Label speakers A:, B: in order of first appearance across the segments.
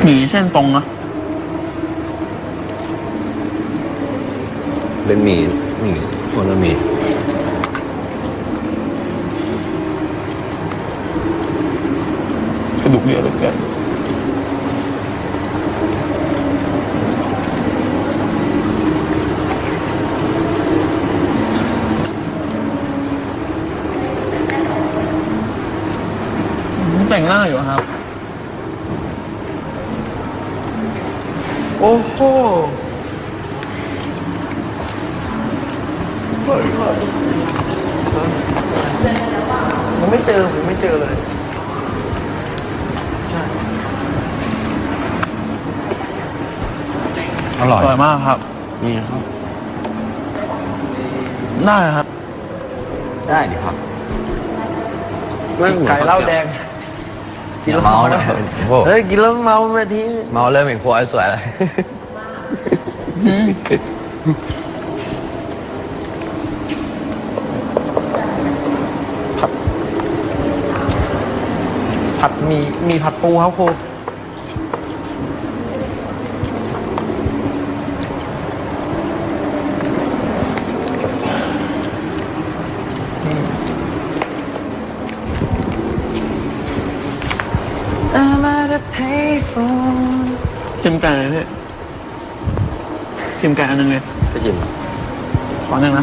A: มี่เส้นตรงนะ
B: เป็นหมี่คนละหมี่
A: กระดูกเยอะเหลือเกินแต่งหน้าอยู่ครับ
C: โอ้โหผมไม่เจอเลย
B: อร่อย
A: อร่อยมากครับ
B: นี่ครับ
A: ได้ครับ
B: ได้ดิครับ
C: ไก่เหล้าแดง
B: กินแล้วเมานะโอ้
C: เฮ้ยกินแล้วเมานาที
B: เมาเริ่มเห็นครัวสวยเลย
C: ผัดมีผัดปูครับครู
A: ชิมไก่เลยพี่ชิมไก่อันนึงเลย
B: ไปกิน
A: ขอหนึ่งนะ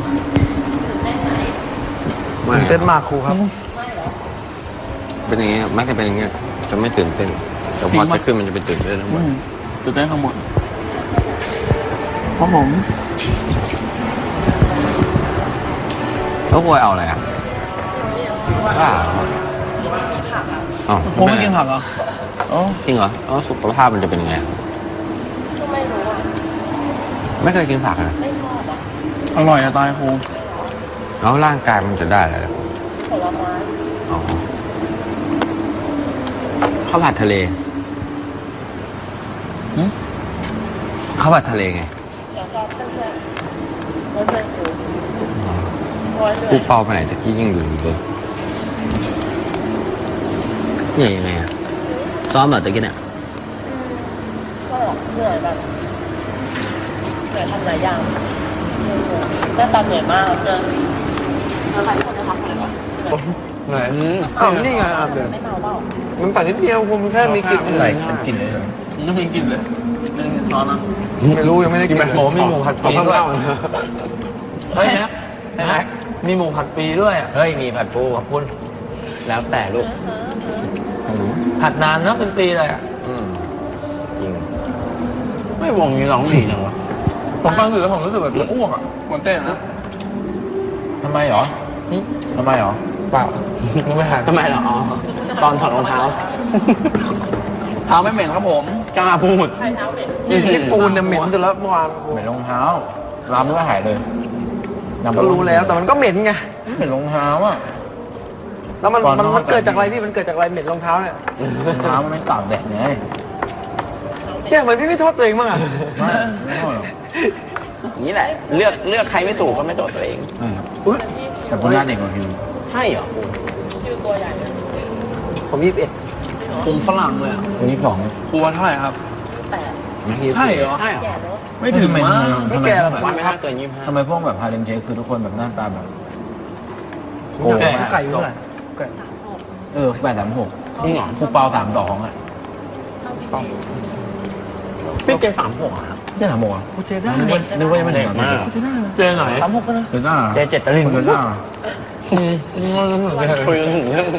C: ตื่นเต้นมากครูครับ
B: เป็นอย่างงี้มักจะเป็นอย่างเงี้ยจะไม่ตื่นเต้นแต่พอจะขึ้นมันจะเป็นตื่นเต้นทั้งหมด
A: ตื่นเต้นทั้งหมดเพราะผม
B: แล้วครัวเอาอะไรอ่ะบ้าอ๋อ
A: ผมไม่กินผักเหรออ๋อ
B: จริงเหรอแล้วสุขภาพมันจะเป็นยังไง
D: ไม่รู้อ่ะ
B: ไม่เคยกินผักนะ
D: ไม่ชอบอ่ะ
A: อร่อยอะตายครู
B: แล้วร่างกายมันจะได้อะไร
D: ผลไม้
B: อ๋อข้าวผัดทะเล
A: หึ
B: ข้าวผัดทะเลไง
D: แล้วก็เพื่อนๆเพื่อนๆคือโอ้ยเหนื่
B: กู
D: อย
B: เป่าไปไหนตะกี้ยังอยู่เลยเนี่ยยังไงอะซ้อมเหรอตะกี้เนี่ย
D: ก็เหนื่อยแบบเหนื่อยทำหลายอย่างหน้าตาเหนื่อยมากเจอแล้วใครคนจะทำอะไรวะ
C: ไหนอ้าวนี่ไงอ่ะเดี๋ยว
D: ไม่เมาเปล่า
C: มันปัดนิดเดียวผมแค่มีกลิ่น
A: อะไรเป็นกลิ่นเลยไม่มีกลิ่นเลยไม่ได้กินซอสนะ
C: ไม่รู้ยังไม่ได้กินโหมีหมูผัดปีด้วย
A: เฮ้ยนะเห็นไหมมีหมูผัดปีด้วยอะ
B: เฮ้ยมีผัดปูขอบคุณแล้วแต่ลูก
A: ผัดนานนะเป็นปีเลยอ่ะ
B: จริง
A: ไม่วงนี้ร้องดีจังวะผมฟังอยู่แล้วผมรู้สึกแบบจะอ้วกอ่ะมันเต้นนะ
B: ทำไมเหรอทำไมเหรอ
C: เปล่าไม่หา
A: ทำไมเหรออ๋อตอนถอดรองเท้าเท้าไม่เหม็นครับผมกล้าพูด
D: ใครเท้าเหม็น
C: นี่ปูนเนี่ยเหม็นจนแล้วเมื่อวาน
B: เหม็นรองเท้าล้ำก็หายเลย
C: ก็รู้แล้วแต่มันก็เหม็นไง
B: เหม็นรองเท้าอ่ะ
C: แล้วมัน
B: ก่อน
C: มัน
B: นอน
C: มันเกิดจากอะไรพี่มันเกิดจากอะไรเหม็นรองเท้าเนี่ย
B: รองเท้ามันไม่ตากแดดไง
C: เนี่ยเหมือนพี่ไม่โทษตัวเองบ้างอ่ะ
B: ไม่เท่าหรอก
A: นี่แหละเลือกใครไม่ถูกก็ไม่โทษตัวเอง
B: แต่คนหน้าเด็กกว่าพี่
A: ใช่เหรอ
D: ชื่อตัวใหญ่เลย
C: ผม21
A: คุมฝรั่งเลยอ่ะ
B: คนที่สอง
A: ครัวเท่าไหร่ครับ
D: แต่
A: ใช่เหรอ
D: แก่เนอะ
A: ไม่ถึงมั้ง
C: ไม่แก่หรอก
A: วันไม่น่าเกิน25
B: ทำไมพวกแบบฮาเลมเชคคือทุกคนแบบหน้าตาแบบ
C: โอ้ไก่อยู่เท่าไหร่
B: 836
A: จริงเหรอ
B: ครูเปา32อ่ะ
A: พี่เจ36อ่ะครับ
B: เจ๊ถามบอกอ่ะ
C: กูเจได้
B: นึกว่ายังไม่ถึง
A: เจไหน
C: 36ก็นะ
B: เจ๊จ้า
A: เจเจ็ดตะลิน
B: เจ๊จ้า
A: คุยกันถึงเรื่อง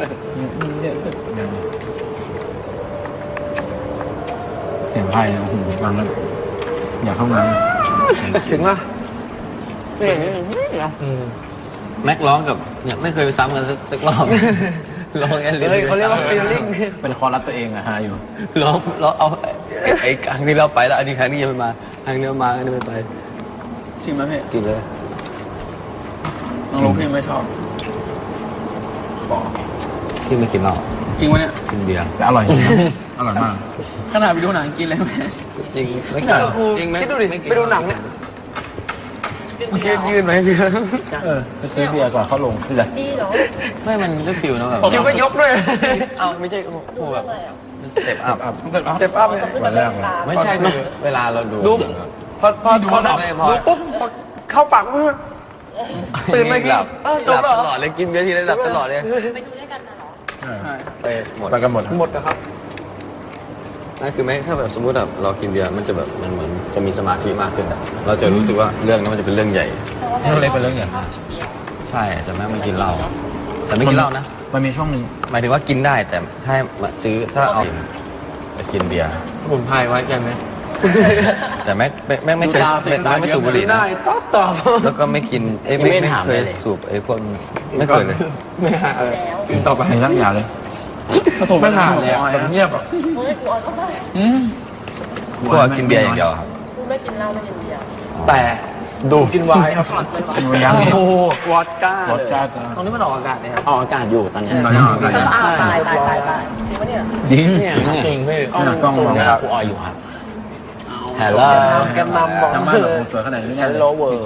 B: เสียงไพ่โอ้โหฟังแล้วอยากเข้าน้ำ
C: ถึงอ่ะ
A: ไม่เห็นไม่เห็นเหรอ
B: แม็กร้องกับเนี่ยไม่เคยไปซ้ำกันสักรอบร้องแอนลิ
C: เฮ้ยเขาเรียกว่าฟีลลิ่ง
B: เป็นคอรัสตัวเองอะฮะอยู่ร้องเอาไอ้ครั้งที่เราไปแล้วอันนี้ครั้งนี้ยังไม่มาครั้งนี้มาครั้งนี้ไม่ไป
A: ชิมไหมพี่
B: กินเลย
A: น้องลูกพี่ไม่ชอบ
B: ขอที่ไม่กินเหล้า
A: จริงวะเนี่ย
B: กินเบียร์แต่อร่อยจริงนะอร่อยมาก
A: ขนาดไปดูหนังกินเลยไหม
B: จริงไม่
C: เอ
B: เกิน
C: อครู
B: จริงไหม
C: คิดดูดิไปดูหนังเนี่ย
B: ยืนไหมพี่
A: จะซื้อเบียร์ก่อนเข้าลงคืออะไร
D: ดีเนาะ
B: ไม่มันได้ฟิลนะแบบ
C: คิวก็ยกด้วย
B: เอ้าไม่ใช่โอ้แบบสเต็ปอัพ
C: เจ็บอัพเลย
A: วันแรกเลย
B: ไม่ใช่เวลาเราดู
C: พอดูปุ๊บเข้าปากปุ๊บตื่นมากิน
B: หลับ
C: จบ
B: ต
C: แล้ว
B: ลอดเลยกินเบียร์ทีไรหลับตลอดเลย
D: ไปดูด้วยกันนะเหรอ
B: ไปหมด
A: ไปกันหมด
C: หมดนะครับ
B: นั่นคือไหมถ้าแบบสมมติแบบเรากินเบียร์มันจะแบบมันเหมือนจะมีสมาธิมากขึ้นอะเราจะรู้สึกว่าเรื่องนั้นมันจะเป็นเรื่องใหญ่
A: เรื่องเล็กเป็นเรื่องใหญ่
B: ใช่แต่แม่มันกินเหล้าแต่ไม่กินเหล้านะ
A: มันมีช่วงหนึ่ง
B: หมายถึงว่ากินได้แต่ถ้ามาซื้อถ้าเอาไปกินเบียร์
C: ผมพายไว้ยังไง
B: แต่ไม่เคยไม่สูบบุหรี่นะ
C: ได้ตอบ
B: แล้วก็ไม่กินไม่เคยสูบไอ้พวกไม่เคยเลย
C: ไม่หาเลยกินต่อไป
A: ไม่รักอย่าเลย
C: ไม่หาเลยเงียบอ่ะ
D: เฮ้ยกูเอาก็ได้
B: พวกกินเบียร์อย่างเดียวครับ
D: กูไม่กินเหล้าไม่กินเบียร์
C: แต่ดูกินไวน์
A: ยัง
C: โอ้วอดก้าว
A: อดก้าจ้า
C: ตรงนี้มันออกอากาศเนี่ยครับ
A: ออกอากาศอยู่ตอนนี้
D: ตายจริงปะเนี่ย
A: ดิ้ง
C: จริงพี่
A: กล้องมอง
B: ครับ
A: กูออยอยู่ครับ
B: ฮัลโหล
C: แกนนำบอก
A: ทำไมแบบสวยขนาดนี้เนี่ย
C: Hello World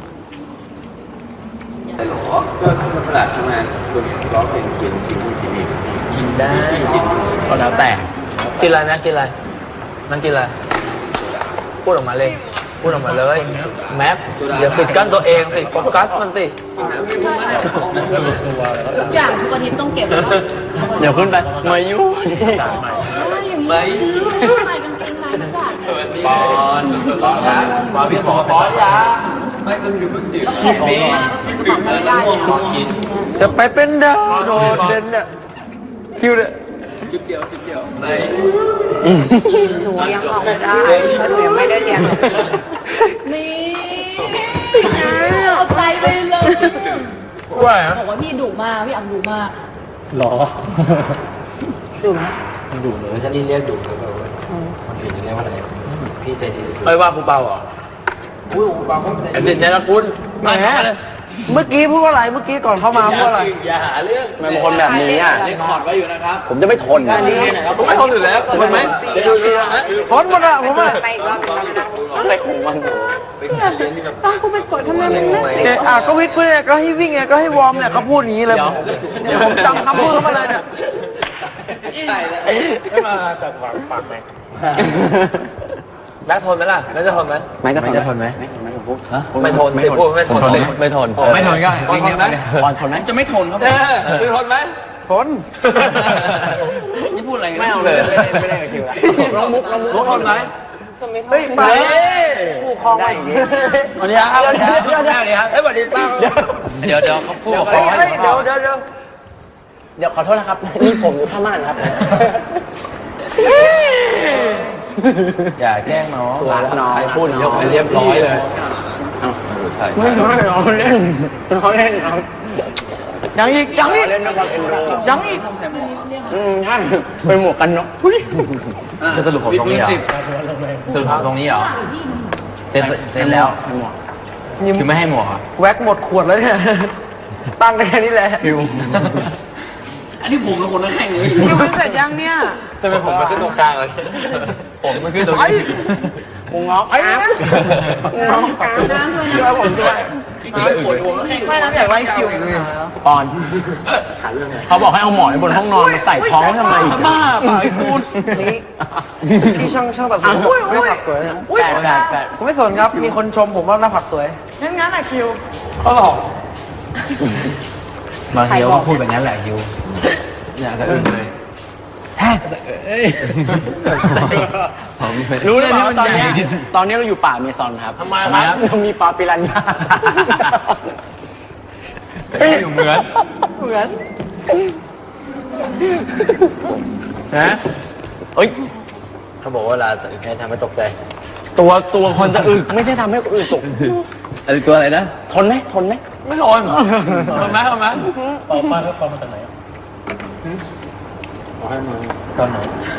B: ก็ขนาดทำงานคุณร้องเพลงกินอีก
C: กินได้
A: ก็แล้วแต่
C: กินอะไรนะกินอะไรนั่งกินอะไรพูดออกมาเลยพูดออกมาเลยแมปอย่าปิดกั้นตัวเองสิโฟกัสมันสิ
D: ทุกอย่างทุกอาทิตย์ต้องเก็บแล้ว
A: เดี๋ยวขึ้นไปมายุ่ง
D: ไม่ใส่กางเกงในทุกอย่าง
B: ปอนนะมาพี่ขอปอนยาไม่ต้องอยู่เพิ่งดื่มนี่ดื่มแล้วน้ำม่วงขอกิน
C: จะไปเป็นดาวโดดเด่นเนี่ยคิวเนี่ย
B: จุดเดียวไม่
D: หนูยังออกไม่ได้เพราะหนูยังไม่ได้เรียนนี่เอาใจไปเลย
C: ว่า
E: บอกว่าพี่ดุมากพี่อังดุมาก
A: หรอ
E: ดุไหม
A: ดูเลย
B: ถ้านี่เรียกดุแล้วแบบว่ามันถึงเรียกว่าอะไรพี่ใจดีสุด
C: ไม่ว่ากูเบาเหรอ
B: อุ้ยบางคน
C: ไอ้เด่นเนี่ยนะคุณแหมเมื่อกี้พูดว่าอะไรเมื่อกี้ก่อนเข้ามาพูดว่าอะไร
B: อย่าหาเรื่อง
A: มันเป็นคนแบบนี้อ่ะ
B: เรคคอร์ดไว้อยู่นะครับ
A: ผมจะไม่ทนนะ
C: ผมไม่ทนอยู่แล้วทนไหมทนหมดอะผมอะ
A: อะไรของมัน
B: เป็นการเรียนที่แบบ
E: ต้องกูไปกดทำไมมันไม่
C: เนี่ยก็วิทย์เพื่อนก็ให้วิ่งไงก็ให้วอร์มเนี่ยเขาพูดอย่างนี้เลยเดี๋ยวผมจำคำพูดเขามาเลยเนี่ย
A: ไม่มาจากปากไหม
C: แบ็คทนไหมล่ะแบ็คจะทนไหม
A: ไม่จะทนไหมไม่ทนพูด
C: ไม่ทนไม่พูดไม่ทน
B: ไม่ทน
A: ไม่ทนก็
C: ทนไหม
A: บอลทนไหมจะไม่ทนครับ
C: คือทนไหมทน
A: นี่พูดอะไรไม่เอาเลยไม่ได้กับคิวละ
C: น้องมุกทนไหมเฮ้ยไปผู้ครองได้อย่างนี้
A: สวัสดีครับสวัสดีครับ
C: เฮ้ยสวัสดีป้า
B: เดี๋ยวเขาพูดกับ
C: เดี๋
B: เขา
C: ยว
A: ขอโทษนะครับนี่ผมอยู่พม่านครับ
B: อย่าแกล้งน้อง
A: รักน้องพูด
B: ยกไปเรียบร้อยเลยใช่
A: ไม่น้อยเราเล่นเราเล่นเรา
C: ยังอีกยังอีก
A: เล่นนะครับเอ็นดู
C: ยังอีก
A: ใช่เป็นหมวกกันน็อกจะสรุปผมตรงนี้เหรอสรุปผมตรงนี้เหรอเสร็จแล้วหมวกคือไม่ให้หมวกอ่ะ
C: แว็กหมดขวดแล้วเนี่ยตั้งกันแค่นี้แหละ
A: คิว
B: อันนี้ผมเป็นคนแข่งเลย
C: คิวเสร็จยังเนี่ย
B: ทำไมผมมาขึ้นตรงกลางเลยผมมาขึ้นตรงนี้
A: กูงอก
C: ไอ้นะงอกกลางนะช่วยผมด้วย ไม่นะอยากไล่คิวอีกเลย
A: ปอนเขาบอกให้เอาหมอนบนห้องนอนมาใส่ท้องทำไมบ้าเปล่าไอ้กู
C: นี่ช่างตัดผมไม่ผักสวยนะ
A: แปด
C: ผมไม่สนครับ มีคนชมผมว่าหน้าผักสวยงั้นอะคิวเขาบอก
A: บางทีก็พูดแบบนั้นแหละคิวอยากจะอึ้งเลยรู้เลยว่าตอนนี้เราอยู่ป่าเมซอนครับทำไมครับเรามีปลาปิรันย่าอยู่เหมือนนะเอ้ย
B: เขาบอกว่าเวลาจะแค่ทำให้ตกใจ
A: ตัวคนจะอึไม่ใช่ทำให้คนอื่นตก
B: อะไรตัวอะไรนะ
A: ทนไหม
C: ไม่ทนทนไหม
A: ปอมาแล้วปอมาจากไหนตอนไหน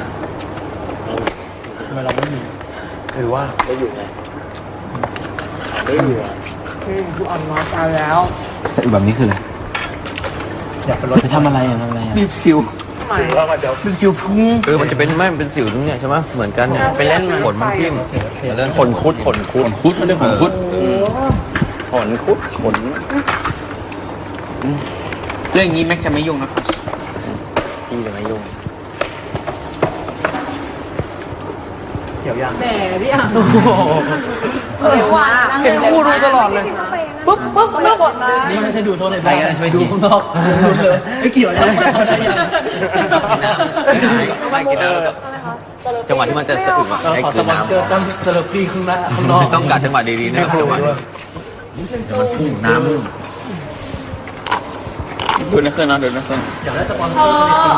A: ทำไมเราไม่มีหรือว่าได้อยู่ไงได้อยู่อ่ะ
C: ผู้อ่อนน้อยตายแล้ว
A: สแบบนี้คืออะไรอยากไปรถไปทำอะไรรีบซิวรีบซิวพุ่ง
B: คือมันจะเป็นไม่เป็นสิวตรงเนี้ยใช่ไหมเหมือนกันเนี่ยไปเล่นขนมันทิ่มเล่นขนคุดมันเรียกขนคุด
A: ขนคุดขน
C: เรื่องนี้แม็กจะไม่ยุ่งนะครับ
A: พี่จะไม่ยุ่ง
E: แหมพี่อ่ะเดี๋ยวว่า
C: เป็นคู่ดูตลอดเลย
E: ปุ๊บไม่กดนะ
C: นี่ไม่ใช่ดูโทษในไทยนะไปดูข้างนอกไม่เกี่ยวนะ
B: ไม่กินน้ำจังหวะที่มันจะสะอึกอะให้
C: ขอ
B: กิ
C: ส
B: น
C: ปอนเซอร์
B: น้ำ
C: ตั้งเซเลบตี้ข้างหน้าข้างนอก
B: ต้องกัดจังหวะดีๆนะครับจังหวะ
A: มันพุ่งน้ำ
C: ดูนะเครื่องนะดูนะเครื่องอยากได้สปอนเซอร์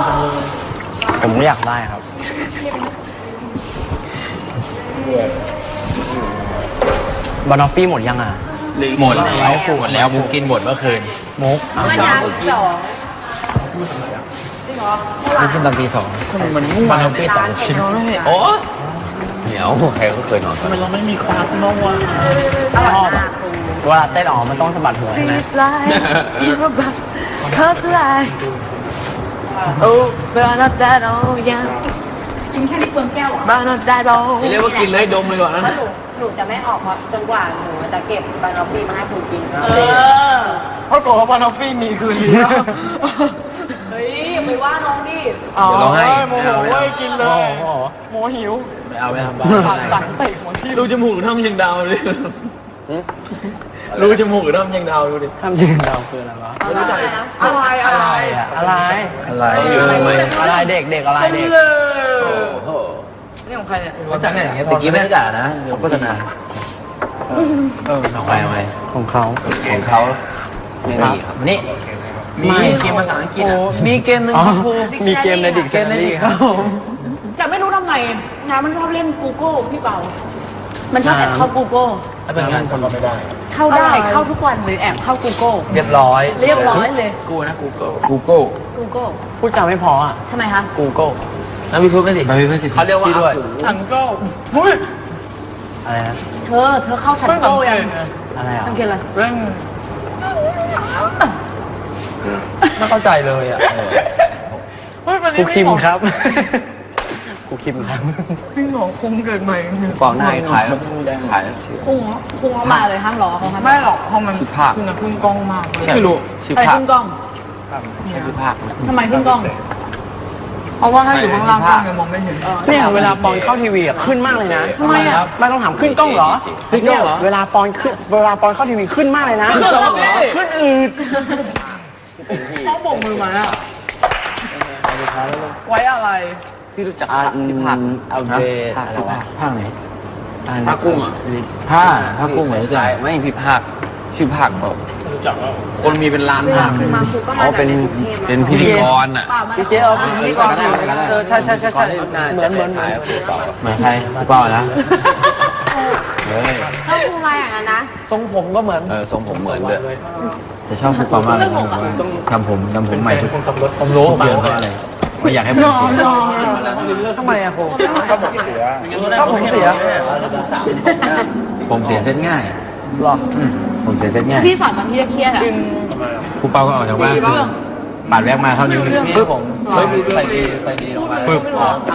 A: ผมอยากได้ครับบานอฟฟี่หมดยังอ่ะ
B: หมดแล้วมุกกินหมดเมื่อคืน
A: มุก
E: มันยังสอง
A: นี่กินตอนตี2มันมุ่งบานอฟฟี่2ชิ้น
B: โอ้เหนียวใครก็เคยนอนกัน
C: ทำไมเราไม่มีคลาสน้องวะ
A: ชอบอ่ะเวลาเต้นออกมันต้องสะบัดหัวใช่ไหม
E: Cause like Oh but not that old yeah กินแค่นี้เปลืองแก้วอ่ะ But not that old
C: เรียกว่ากินเลยดมเลยก่อนนะ
D: หนูจะไม่ออกเพราะจนกว่าหนูจะเก็บบานอฟฟี่มาให้คุณกิน
C: เพราะโกว่าบานอฟฟี่มีคืนนี้
E: เฮ้ยอย่าไปว่าน้องดิ
B: เดี๋ยวเราให้
C: โมโหเว้ยกินเลยโมหิว
A: ไม่เอาไม่ทำบ้า
C: ปากสั่งเตะหัวที่รูจมูกหรือทำยังดาวเลยรูจมูกหรือทำยังดาวดูดิ
A: ทำจริงเราคืออะไรวะ
C: อะไร
A: อะไรอยู่ทำไมอะไรเด็กอะไรเด็ก
C: นี่ของใครเนี่ยมาจากไหนอย่างเงี้ย
A: ตะกี้ไม่ได้ด่านะโฆษณาของใครของเขาของเขาไม่มีครับนี่
C: มีเกมภาษาอังกฤษอ่ะมีเกมหนึ่งครับครู
A: มีเกมในดิกชันนารีครับ
E: แต่ไม่รู้ทำไมนะมันชอบเล่น Google พี่เปามันชอบแอบเข้า Google
C: ถ้าเป็นงานคนก็ไม่ได้
E: เข้าได้เข้าทุกวันเลยแอบเข้า Google
A: เรียบร้อย
E: เรียบร้อยเลย
C: กูนะ Google
E: Google
A: พูดจาไม่พออ่ะ
E: ทำไมคะ
A: Google
C: แล้วมีพูดไม่ดิ
A: มันมีเพื่อนสิทธิ์
C: เขาเรียกว่า
A: ด้วย
C: ทังโก้เฮ้ย
A: อะไรนะ
E: เธอเข้าชั้นโก้ยัง
A: อะไรอ่ะ
E: สังเกตอะไร
C: เรื่องไม่เข้าใจเลยอ่ะ
A: กูคิมครับกูคิมครับ
C: พี่หมอคงเกิดใหม่
B: กล่องหน้าขายขาย
E: คุงเขามาเลยห้ามรอเขาห้าม
C: ไม่หรอกเพราะมันคือนะพึ่งกล้องมากไม่รู้
B: ชื่อ
E: ไป
B: ภาค
E: ขึ้นกล้อง
B: ชื่อภาค
E: ทำไมขึ้นกล้อง
C: เพราะว่าถ้าอยู่ข้างล่างกล้องยังมองไม่เห็น
A: เนี่ยเวลาปอนเข้าทีวีอ่ะขึ้นมากเลยนะ
E: ทำไมอ่ะ
A: ไม่ต้องถามขึ้นกล้องเหรอเนี่ยเวลาปอนเข้าทีวีขึ้นมากเลยนะ ขึ้นอืด
C: เขาโบกมือมาอะไว้อะไร
B: พี่รู้จัก
A: ที่ภาคเอาเบอะไรวะภาคไหน
B: ภาคกุ้งอ่ะ
A: ภาคกุ้งเหมือนกัน
B: ไม่พี่ภาคชื่อภาคบอกคนมีเป็นล้านภาค
D: มาครูก็มา
A: อ๋อเป็น
B: เป็นพิธีกรอ่ะ
C: พี่เจ๊เอาพี่นี่ก่อนใช่เหมือน
A: เหมือนใครพี่เป้านะ
B: เลย
D: ถ้าครูมาอย่างนั้นนะ
C: ทรงผมก็เหมือน
B: ทรงผมเหมือนเลย
A: จะชอบพี่เป้ามากเลยทำผมใหม่ทุก
C: ผมรู้
A: เดือนเพราะอะไรไม่อยากให้ผมเสีย
C: ทำไมอะครู
A: ก็ผมเสีย
C: ก็ผมเสีย
A: ผมเสียเส้นง่าย
C: หรอ
A: ผมเสียเส้นง่าย
E: พี่สอนมันที่เครียดอ่ะ
A: ครูเป้าก็ออกจากบ้านปาดแวกมาเท่านิ้วนึง
C: คือผมใส่ดีลงมา
A: ฟึบ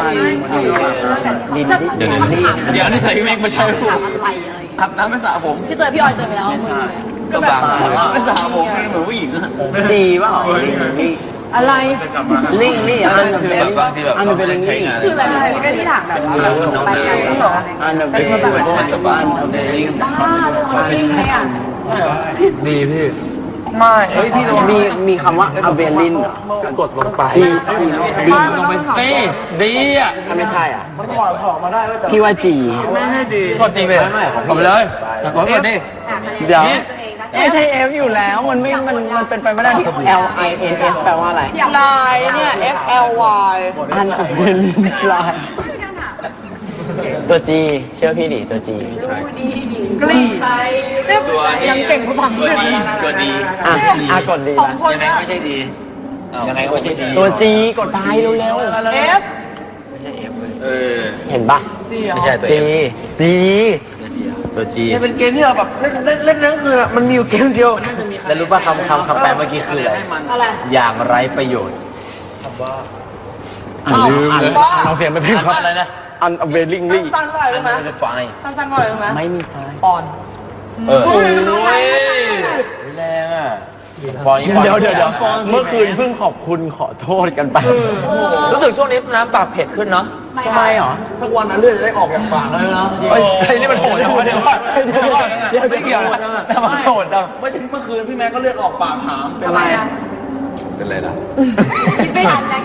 B: เดี๋ยวนี่ใส่พี่แม็กมาใช้ผม
E: อะไร
C: อาบน้ำไม่สระผม
E: พี่เตยพี่ออยเจอไปแล้วมือ
B: ก็บางคน
C: ไม่สระผมเหมือนผู้หญิงอะ
A: จีป่ะ
E: อะไร
A: ลิงนี่อันนั้น
B: คือแบบบางที่แบบ
A: อันนั้นเป็นลิง
B: ใช้
A: นี่
B: งาน
D: คืออะไรก็ที่ถามแบบว่าไปกันเหรอ
A: อันนั้นเป็น
B: มันสบาย
E: บ้าเลยของลิงเลยอ่ะ
A: ดีพี่
C: ไม่เฮ้ยพี่
A: มีคำว่าอเวลิน
C: กดลงไป
A: ดีลงไปสิดีอ่ะถ้าไม่ใช่อ่ะ
C: มันถอดมาได้ว่าจะ
A: พี่ว่าจี
C: ไม่ให้ดี
A: กดดีไปกดเลยกดดิเดี๋ยวไม่ใช่ F อยู่แล้วมันเป็นไปไม่ได้ที่ L I N S แปลว่าอะไร
C: ลายเนี่ย F L Y
A: อันอเวลินลายตัว G เชื่อพี่ดิตัว G
C: กลี
B: ตัวยังเก่งกว่าผมตัวดีตัวดี
A: กดดี
B: ยังไงไม่ใช่ดียังไงก็ไม่ใช่ดี
A: ตัว G กดไปเร็ว
C: F
A: ๆเห็นปะ
B: ไม่ใช่ตัว
A: G ดี
B: ตัวจี
C: เนี่ยเป็นเกมที่เราแบบเล่นนั่นคือมันมีอยู่เกมเดียว
A: แล้วรู้ป่ะคำแปลเมื่อกี้คืออะไร
E: อะไร
A: อย่างไร้ประโยชน์ลืมเลยเราเสียงไปเป็นครับอะไรนะ unavailingly
C: สั้นๆหน่อยได้ไหม
B: ไฟ
C: สั้นๆหน่อยได้ไหม
A: ไม่มีไฟ
C: อ่อน
A: อเออ
C: โอ้ย
A: แรงอ่ะปอนนี้เดี๋ยวเมื่อคืนเพิ่งขอบคุณขอโทษกันไป
C: รู้สึกช่วงนี้นะปากเผ็ดขึ้นเนาะ
A: ทำไมหรอ
B: สักวันนั้นเลือดจะได้ออกจากปากเลยนะ
A: เฮ้ยนี่มันโหดจังวะเดี๋ยวไม่เกี่ยวนะแต่มันโหดจัง
B: เมื่อคืนพี่แม่ก็เลือดออกปากถาม
A: ทำไม
B: เป็นไรล่ะ
E: คิดไม่ทันนะ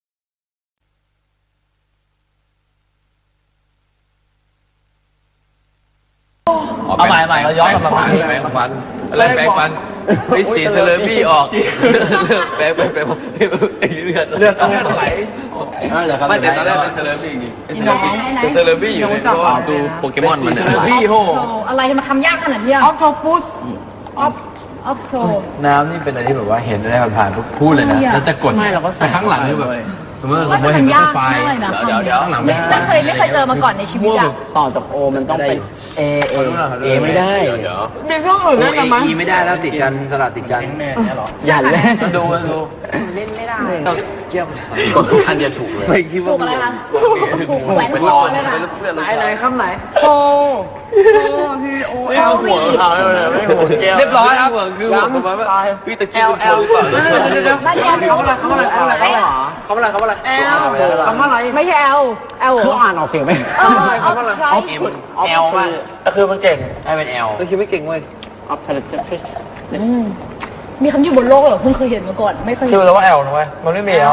C: เอาใหม่เราย้อนกลับมา
B: แปรงฟันอะไรแปรงฟันไอ้สีเซเลบี้ออกแปรงเลือดไหลไม่แต่ตอนแรกเป็นเซเลบี้จริงเซเลบี้อยู่ในเพราะว่าดูโปเกมอนมันเนี่ยบี้โห
E: อะไรมาทำยากขนาดนี้ออฟโทปุสออฟโท
A: น้ำนี่เป็นอะไรที่แบบว่าเห็นได้ผ่านๆพูดเลยนะแล้วจะกดแต่ข้างหลังนี่แบบสมมติเราเห็นเป็นไฟเดี๋ยวข้างหลังไม่
E: ไม่เคยเจอมาก่อนในชีวิตอ่ะ
A: ต่อจากโอมันต้องเป็นเอไม่ได้
B: เดี๋ยว
E: มีเครื่องอื่นด้วยนะมั้ย
B: อีไม่ได้แล้วติดกันสลัดติดกัน
A: อย่าเล่นดู
E: เล่นไม่ได้
B: อันเดียวถูกเลย
A: ไม่คิด
E: ถู
A: ว่าก
E: อะไรคะแหวนคอเลยค่ะ
A: ไหนคำไหน
E: โทพีโอเอล
A: หัวเขาเลยไม่หัวแก้ว
C: เรียบร้อยครับ
B: คือหัวประมาณว่าพี่ตะกี้คุณโชว์หรือเปล่า
E: บ้านแกมีเขาอะไร
A: เขาอะไร
E: เอลคำว่าอะไรไม่ใช่เอล
A: เขาอ่านออกเสียงไหม
E: เอาอะไร
C: แอลมาก็คือมันเก่ง
A: ให้เป็น L
B: ตะกี้ไม่เก่งเว้ย
A: operative
E: มีคำที่บนโลกเหรอเพิ่งเคยเห็นมาก่อนไม่เคย
C: คิวแล้วว่าแอลนะเว้ยมันไม่มีแอล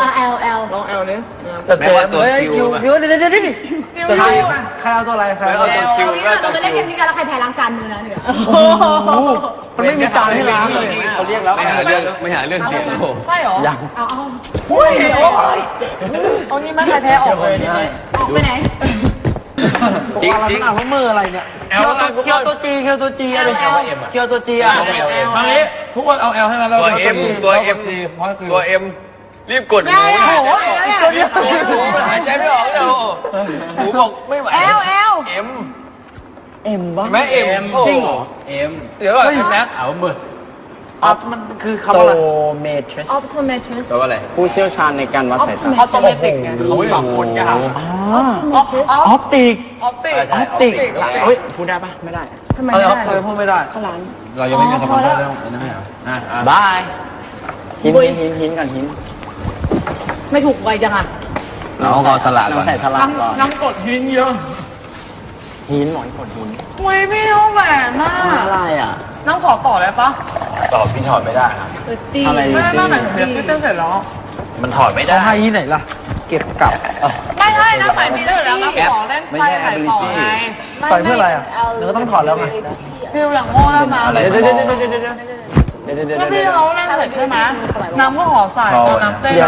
E: L
B: ลองแอลนี้
C: แต่
B: แม้ว่าตัวคิว
C: คิวเดี๋ยว
A: ใครเอาตัวอะไรใคร
B: แม้
A: เอา
B: ว่า
A: ตั
B: ตัว วคิว
E: เราไปเล่นเกมนี้กันแล้วใครแพ้ล้างจานมือนะเนี่ย
A: มันไม่มีจานให้ล้างเลยเขาเรียกแล้ว
B: ไม่หาเรื่องเสียงโอ้โห
E: ใช่หรอ
A: ยัง
E: เอาอุ้ยเอานี่ไม่ใครแพ้ออกเลยนี่ออกไปไหน
B: จริง
A: อ่านว่ามืออะไรเนี่ย
C: เคียวตัวจีอะไรเคียวตัวจีอ่ะมานี้ทุกคนเอาแอลให้มาแล้ว
B: ตัวเอ็มรีบกดห
E: ได้
B: นู
E: โอ้โห
B: ตัวเดียวหายใจไม่ออกเลยหนูบอกไม่ไหว
E: L
B: เอ็ม
A: เอ็มบ้า
B: แม่เอ็ม
C: จริงเหรอ
B: เอ็ม
C: เดี๋ยวก่อนแม็ก
A: เอามือออฟมันคือคำว่าเมทริส
E: Optometrist
B: แปลว่าอะไร
A: ผู้เชี่ยวชาญในการวัดสายตา
E: ออโตเมติกไง
A: เขาสองคนกันอ
E: Optometrist
A: อปติก
C: ออปติก
A: ออปติกเฮ้ยพูดได้ปะไม่ได้
E: ทำไมไม่ได้
C: พูดไม่ได้
E: ข้างหลัง
A: เรายังไม่มีคำพูดเรื่องนั้นไม่เหรอบายหินกันหิน
E: ไม่ถูกไวจังอ่ะ
B: เราเอาสลัดก่อน
A: ใส่สลัดก่อน
C: น้ำกดหินเยอะ
A: หินหมอนกดหิน
E: เว้ยไม่รู้แหวนน่ะ
A: อะไรอ่ะ
C: น้ำขอต่อได้ปะ
A: ตอบพี่ถอดไม่ได้ครับ
E: ตี
A: อะไร
C: ไม่หมายถึงเดี๋ยวพี่เต้นเสร็จแล้ว
A: มันถอดไม่ได้
C: ให้ที่ไหนล่ะ
A: เก็บกลับ
E: ไม่ใช่นะหมายมีเรื่องแล้วนะขอเล่น
A: ไม่ใช่ ability
C: ใส่เพื่ออะไรอ่ะเดี๋ยวก็ต้องถอดแล้วไง
E: ฟิลหลังโง่แล้วมา
A: อะไร
C: เดี๋ยว
E: แล้วพี่เขาเล่นเสร็จใช่ไหมน้ำก็ขอใส่น้ำเต้น
A: เดี๋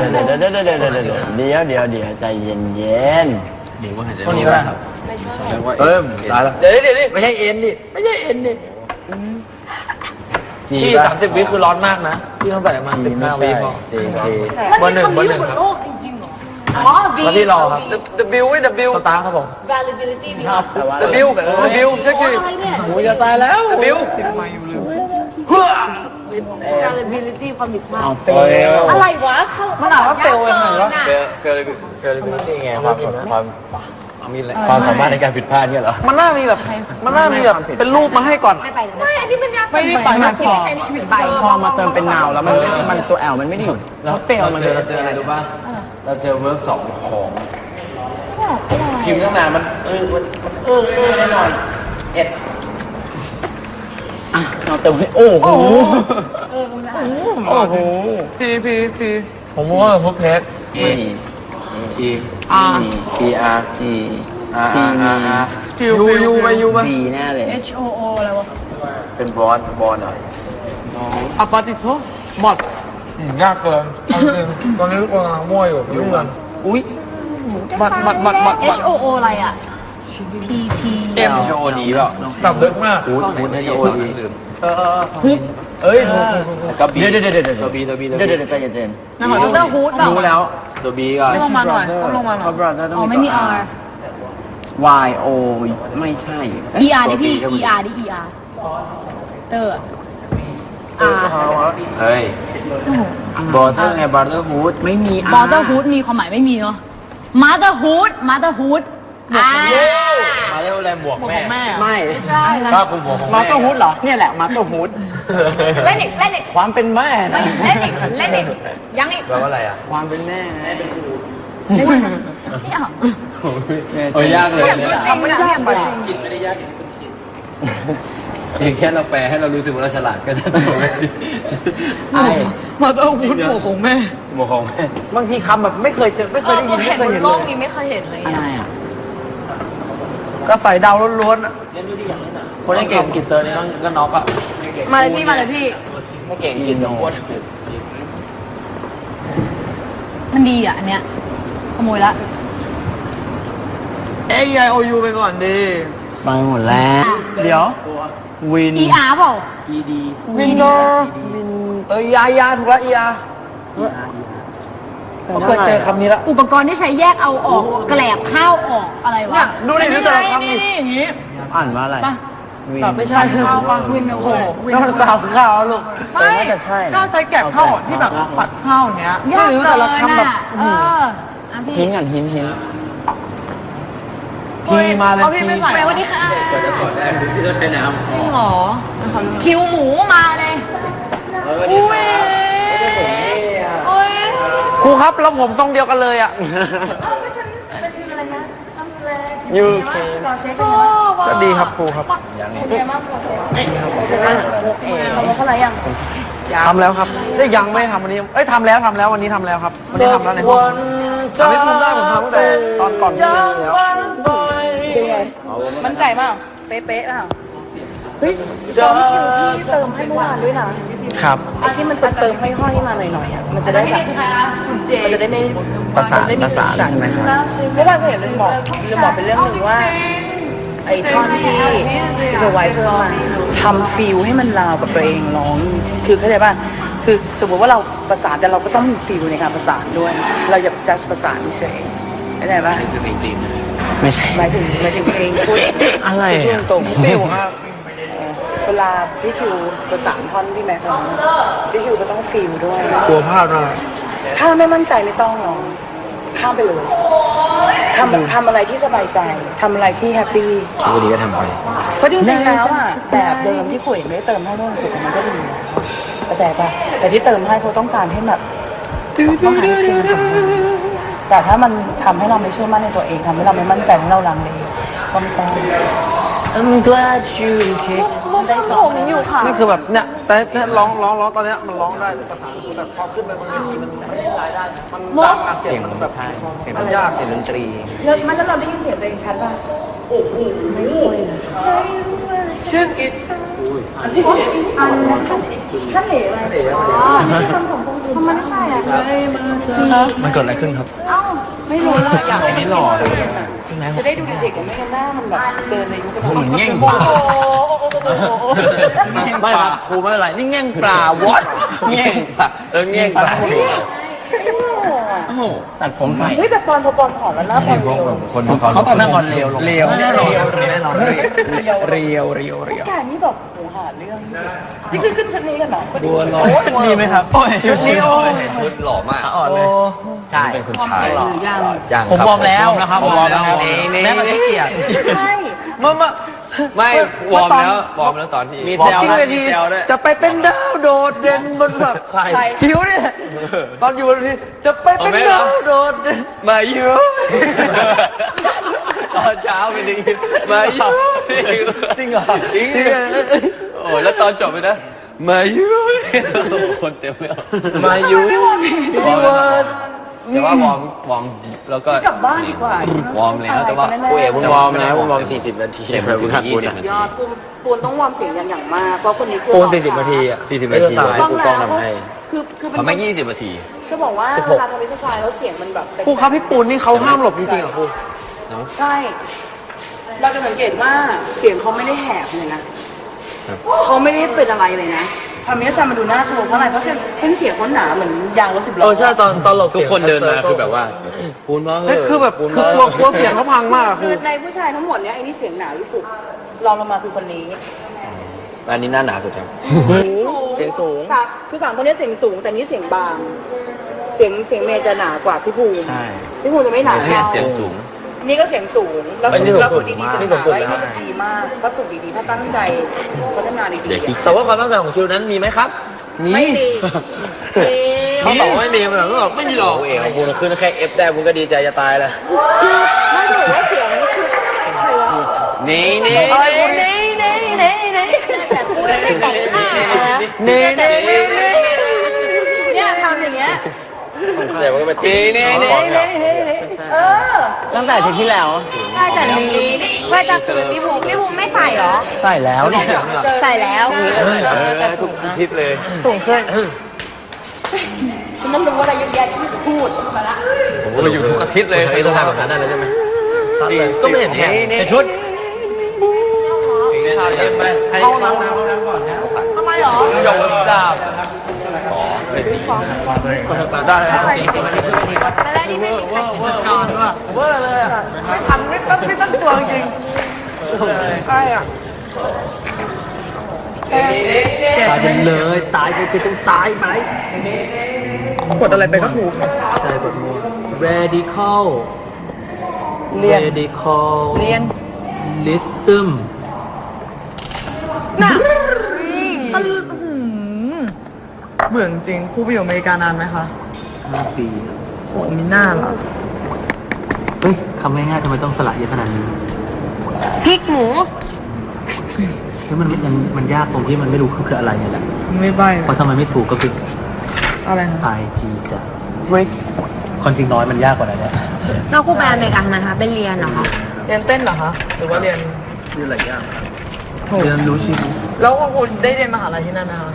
A: ยวใจเย็น
B: เดี๋ยวว่าหายใจ
C: คนนี้ป่ะ
B: เอิ่มตายแล้ว
C: เดี๋ยวไม่ใช่เอ็นดิไม่ใช่เอ็นดิ
A: จี
C: ที่30 วิคือร้อนมากนะที่ต้องใส่ประมาณ15 วิพอ
A: จี
E: มันมีคำนี้อยู่บนโลกจริงๆเหรออ๋อ V
C: แล้วที่รอครับ
B: W ไว้ W
C: สตาร์ครับผม
E: Variability มีครับ
B: W กับ W ใช่คือ
E: อะไรเนี่ย
C: โอ้ยจะตายแล้ว
B: W
E: Variability ความผิดพลา
A: เอา
E: ด
A: เฟล
E: อะไรวะมันอ่านว่าเฟลยังไงวะ
B: เฟลนี่ไงความมีอะไร
A: ความสามารถในการผิดพลาดเนี่ยเหรอ
C: มันน่ามีแบบเป็นรูปมาให้ก่อน
E: ไม่ไปไม่อันนี้มันยากไม่ได้ไปไม่ใช่ในชีวิตไป
A: พอมาเติมเป็นนาวแล้วมันตัวแอลมันไม่ได้อยู่แล้วเฟลมันเลย
B: เราเจออะไรรู้ป่ะเราเจอเวิร์ก2ของ
A: พิมพ์ตั้งนานมันแน่นอนเอ็ดอ่ะเราเติมให้โอ้โหโอ้โห
C: พี่ผมว่าพวกเพชร
B: T T
A: T R T T
C: ยูมา
A: D แน่เลย
E: H O O อะไรวะ
B: เป็นบอลเหรอ
C: อะปาติโตหมดยากเกินจริงตอนนี้ทุกคนกำลังมั่วอยู่ยุ่งกัน
A: อุ้ย
C: บัด
E: H O O อะไรอ่ะ P P
B: เอ็มโชว์ดีเปล่า
C: ตับลึกมาก
B: พูดให้โชว์ดีลืม
A: เอ้ย
B: ก็บี
A: เดี๋ยว
B: ตัวบี
A: ใจเย็น
E: นั่นหมายถึงเตอร์ฮูดเปล่า
A: รู้แล้ว
B: ตัวบีก่อน
E: ลงมาหน่อยต้องลงมาหน่อย
A: brother
E: อ๋อไม่มี R
A: Y O ไม่ใช่
E: E R ดิพี่ E R ดิ E R เตอร์ R
B: เฮ้ยบอเตอร์ไงบอเตอร์ฮูด
A: ไม่มี
E: มอเตอร์ฮูดมีความหมายไม่มีเนาะมาเตอร์ฮูด
A: มาเร็วแรงบวกแม่
E: ไม่
A: ก็ผมบวกของ
E: มา
A: แม่
E: เตอร์ฮูดเหรอเนี่ยแหละมาเตอร์ฮูด
F: เล่นอีกเล่นอีก
E: ความเป็นแม่นะ
F: เล่นอีกเล่นอีกยังอีก
A: แปลว่าอะไรอ่ะ
E: ความเป็นแม่ไง
F: ไม่เอา
A: โอ้ยยากเลย
F: จริงๆไม่ยากจริง
B: กินไม่ได้ยากอย่างแค่เราแปลให้เรารู้สึกว่าเราฉลาดก็จะถูกแล้วจริง
E: ไอ้
C: มาต้องพูดหมู่ของแม่
A: บวกของแม่
E: บางทีคำแบบไม่เคยเจอไม่เคยได้ยินไม่
F: เห็น
E: เค
F: บ
E: ย
F: น
E: เห็น
F: โล
E: เล
F: ก
E: ย
F: นี้ไม่เคยเห็นเลย
E: อะไรอ่ะก็ใส่ดาวล้วนๆอ่ะคนที่เก่งกินเจอนี่ก็น็อกอ่ะ
F: มาเลยพี่มาเลยพี่
E: ไม่เก่งกินโน้ต
F: มันดีอ่ะอันเนี้ยขโมยละ
E: AIOU ไปก่อนดีไปหมดแล้ว เดี๋ยววิน
F: ER เปล่า
E: วินเนอร์ยาถูกแล้วยาผมเคยเจอคำนี้แล้ว
F: อุปกรณ์ที่ใช้แยกเอาออกแกลบข้าวออกอะไรวะ
E: เนี่ยดูดิดูแต่ละคำดิอย่างนี้อ่านว่าอะไรวินไม่ใช่ข้าวป่ะ
F: วินโอ้โหวิน
E: ก็มันสาวข้าวลูกแต่น่าจะใช่
C: ข้าวใช้แกะข้าวที่แบบผัดข้าวอย่างเงี้ย
F: ยาก
E: ไม่รู้
F: เกิ
E: แต่
F: น
E: ละคำแบบ
F: อ่ะอ่ะพี่
E: หินกันหินทีมาเลยที
F: ไปวันนี้ค่ะ
B: กว่าจะสอนได้ที่ต้องใช้น้ำ
C: จริงเหรอ
F: คิวหมูมาเลย
C: อุ้ย
F: โอ้ย
E: ครูครับแล้วผมทรงเดียวกันเลยอ่ะ
F: เป็นอะไรนะทำเลย
E: ยูเค
F: ชอบ
E: ก็ดีครับครูครับ
F: เท่าไหร่ยัง
E: ทำแล้วครับได้ยังไม่ทำวันนี้เอ้ยทำแล้ววันนี้ทำแล้วครับวันนี้ทำแล้วในห้องทำให้ผมได้ผมทำตั้งแต่ตอนก่อนที่เรียนแล้ว
D: มั่นใจเปล่าเป๊ะๆเปล่าเฮ้ยซ้อมคิวที่เติมให้เมื่อวานด้วยนะครับ ไอ้ที่มันเติมให้ห้อยมาหน่อยๆอ่ะมันจะได้แบบมันจะได้ไม่
E: ประสานใช่ไหมครับ
D: เมื่อวานก็เห็นลืมบอกเป็นเรื่องหนึ่งว่า ไอ้ท่อนที่เธอไว้เพิ่มมาทำฟิลให้มันราวกับตัวเองร้องคือเข้าใจป่ะคือสมมติว่าเราประสานแต่เราก็ต้องมีฟิลในการประสานด้วย เราอย่าจัดประสานเฉยเข้าใจป่ะ
B: คือเพลงตีม
E: ไม่ใช่
D: หมายถึงเพลงพูด
E: อะไร
D: พูด
E: อ่ะ
D: ตรงๆ
E: ฟิวครับ
D: เวลาพี่คิวประสานท่อนพี่แม็กซ์ร้องพี่คิวก็ต้องฟิลด้วย
E: กลัวพลาดมาก
D: ถ้าไม่มั่นใจไม่ต้องร้องข้ามไปเลยทำอะไรที่สบายใจทำอะไรที่แฮปปี้
A: วันนี้ก็ทำไป
D: เพราะจริงๆแล้วอ่ะแบบเดิมที่ขุยไม่ได้เติมให้ร่วมสุดมันก็ดีนะเข้าใจปะแต่ที่เติมให้เขาต้องการให้แบบต้องหาเพลงสมบูรณ์แต่ถ้ามันทำให้เราไม่เชื่อมั่นในตัวเองทำให้เราไม่มั่นใจให้เราลังเลก็ไม่ต้อง
E: I'm glad you came
D: ได้สองอยู่ค่ะ
E: นี่คือแบบเนี่ยแต่เนี่ยร้องตอนเนี้ยมันร้องได้แต่ภาษาคือแบบพอขึ้นไปบนเวทีมันไม่ได้รายได้มันดังอะเสียงมันแบบเสียงมันยากเสียงดนตรี
D: แล้วเราได้ยินเสียงตัวเองชัดป่ะโอ้โหไม่ค่อยนะ
E: ชื่อกิจ
D: ท่านเหลวอะไรอ๋อที่ทำของฟงทำไมไม่ใช่อ่ะ
E: มันเกิดอะไรขึ้นครับ
D: เอ้าไม่รู้เลยอยาก
A: อันนี้หล่อเลย
D: จะได้ดูเด็กๆกับไม่งั้นหน้ามันแบบเดินในยุค
A: เหมือนแง่ง
D: โอ้
A: ปลา
D: โห
E: ไม่ครับครูไม่เป็นไรนี่แง่งปลาวอด
A: แง่งปลาแง่งปลาโอ้โหตัดผมใหม่
D: เฮ้ยแต่ปอนผอมแล้วหน้าปอนเร็ว
A: คน
E: เขาตอนนั้นก่อนเร็วลง
A: เร็ว
E: แน่นอนแน่นอน
D: เรียวการนี่แบบโหหาเรื่องที่สุดนี่คือขึ้นชั้นนี้กันเหรอบัวลอย
E: ดีไหมครับชิว
B: ชุดหล่อมาก
E: อ่อนเลยใช่
B: เป็นคนชาย
D: ยัง
E: ผมวอร์มแล้วนะครับ
B: ผมวอร์มแล้ว
E: แม้มันไม่เกี่ยง
D: ใช่
B: ไม่วอร์มแล้วตอนที่
E: มีแซวนะมีแซวด้วยจะไปเป็นดาวโดดเด่นบนแบบคิวเนี่ยตอนอยู่บนเวทีจะไปเป็นดาวโดดเด่น
B: มาอยู่ตอนเช้าไปดีมาอยู่
E: จริงเหรอ
B: จริงโอ้แล้วตอนจบไปนะมาอยู่คนเต็มเลย
E: มาอยู่
B: แต่ว่าวอร์มแล้วก็
D: กลับบ้านดีกว่าว
B: อร์มแล้วแต่ว่า
A: กูเอ๋คุณวอร์มนะคุณวอร์ม40 นาที
B: คุณหัดปูน
D: ยอดปูนต้องวอร์มเสียงอย่างมากเพราะคนนี้คือ
E: ปูน40 นาทีอ่ะ
A: 40 นาทีให้กูกล้องทำให้
D: คือ
B: เขาไม่20 นาที
D: จะบอกว่าเวลาทำวิชาชายแล้วเสียงมันแบบ
E: ครูครับพี่ปูนนี่เขาห้ามหลบจริงๆเหรอครู
D: ใช่เราจะสังเกตว่าเสียงเขาไม่ได้แหบเลยนะเขาไม่ได้เป็นอะไรเลยนะทำให้อาจารย์มาดูน่ากลัวเพราะอะไรเพราะเส้นเสียงเขาหนาเหมือนยางรถ10 ล้อ
E: ใช่ตอนหลบ
B: ทุกคนเดินมาคือแบบว่าปูนมาเห
E: คือแบบคือกลัวเสียงเขาพังมากครู
D: คือในผู้ชายทั้งหมดเนี้ยไอ้นี่เสียงหนาที่สุดรองลงมาคือคนนี้
A: อันนี้หน้าหนาสุดครับ
E: เสียงสูง
D: คือสามคนนี้เสียงสูงแต่นี่เสียงบางเสียงเมย์จะหนากว่าพี่ภูมิ
E: ใช่
D: พี่ภูมิจะไม่หนา
B: เสียงสูง
D: นี่ก็เสียงสูงแล้ว
C: อันนี้
D: แล้ว
C: สู
D: ฝึ
C: ง
D: กดีๆ
C: มาก
D: จะ
C: นี่
D: ดี
C: สูงสุด
D: ไว้
C: แล้ว
D: นี่จะดีมากถ้าฝึกดีๆถ้าตั้งใจพัฒนาดีๆ
C: แต่ว่าความตั้งใจของคิวนั้นมีไหมครับ
D: ไม่ดี
C: เขาบอกว่าไม่มีมันบอกไม่มีหรอกเอ๋บูนขึ้นแค่ F ได้บูนก็ดีใจจะตายแล้ว
D: ไม่ถือว่าเสียงคือใครวะ
C: นี่
D: นี่นี่
F: แต่พูดไม่แต่งหน้า
D: เนี่ยทำอย่างเงี้ย
C: แต่มันก็ไปตีนี่
D: เออ
E: ตั้งแต่อาทีที่แล้ว
F: ใช่แต่นี้ว่าจะคืนพี่ภูมิไม่ใส่เหรอ
E: ใส่แล้วเนี่ย
F: ใส่แล้ว
C: แต่ทุกทิศเลย
F: สูงขึ้น
D: ฉันนั้นรู้อะไรเยอะแยะที่พูดมาละ
C: ผมก็อยู่ทุกอาทิตย์เลยเคยทำแบบนั้นได้เลยใช่ไหมก็ไม่เห็นแข่งแต่ชุด
E: เข้าน้ำก่อนนะ
F: ทำไมหรอ
C: ยกดาบ
E: ได้เลย
F: ไม่ได้ที่ไม่มีใครกินนอนว่ะ
D: เวอร์เลยอ่ะไม่ทันไม่ตั้งตัวจริงใช่อ่ะ
E: ตายไปเลยตายไปก็ต้องตายไป
D: กดอะไรไปก็ถูก
E: ใช่กดมัว radical
D: เรียน
E: radical
D: เรียน
E: lism
D: น่ะเบื่อจริงครูไปอยู่อเมริกานานไหมคะ
E: 5 ปี
D: โหมีหน้าเหรอ
E: เฮ้ยคำง่ายๆทำไมต้องสละเยอะขนาดนี้
F: พริกหมู
E: แล้วมันยากตรงที่มันไม่รู้คืออะไรนี่แหละ
D: ไม่ใบ
E: เพราะทำไมไม่ถูกก็คือ
D: อะไรคะ
E: IG จะคนจริงน้อยมันยากกว่านั้นเนี่ย
F: เราครูไปอเมริกาทำไมคะไปเรียนเหรอคะ
D: เรียนเต้นเหรอคะหรือว่าเรียน
E: เรื่องหลายอย่างเรียนรู้ชีวิต
D: แล้วคุณได้เรียนมหาลัยที่นั่นไหมคะ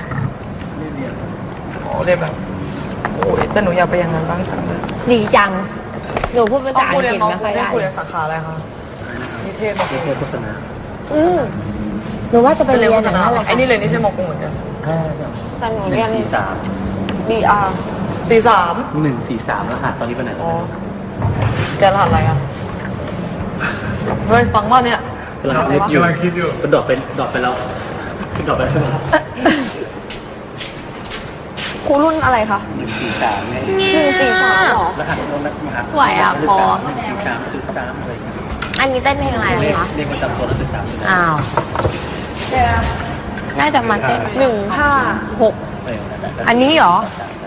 D: อ๋อเรียนแบบโอ้ยแต่หนูอยากไปอย่างนั้นบ้างจังเลย
F: ดีจัง หนูพูดภาษาอัง
D: เรี
F: ก
D: ย
F: ฤ
D: น
F: ษ
D: น้อง
F: ไม่ค่อยได้
D: คุณเรียนสาขาอะไรคะนิเทศม
E: เทศโฆษณา
F: อืมหนูว่าจะไป
D: เป็นเรี
F: เรี
D: ยน
F: ยน
D: โฆษ
F: อย่าง
D: ณา
F: นั้นแหละ
D: ไอ้นี่เรียนนิเทศมกรุงเหมือนกัน
F: แต่หนูเรียน
E: 143
D: BR 43
E: 143แล้วค่ะตอนนี้ไปไหน
D: อ๋อแกรหัสอะไรอ่ะเฮ้ยฟังว่าเนี่ย
E: กำลังคิดอยู่มันดรอปไปแล้วดรอปไปใช่ไหม
D: ครูรุ่นอะไรคะ
E: 143ไง
F: 143หรอ
E: รหัสมหา
F: สวยอ่ะพอ
E: 143อะไรอย่างเงี้ย
F: อันนี้เต้นเพลงอะไร
E: เลข
F: คะ
E: เลขประจำตัวนักศึกษา
F: อ้าว น่าจะมาเต้น156 อันนี้เหรอ
E: เ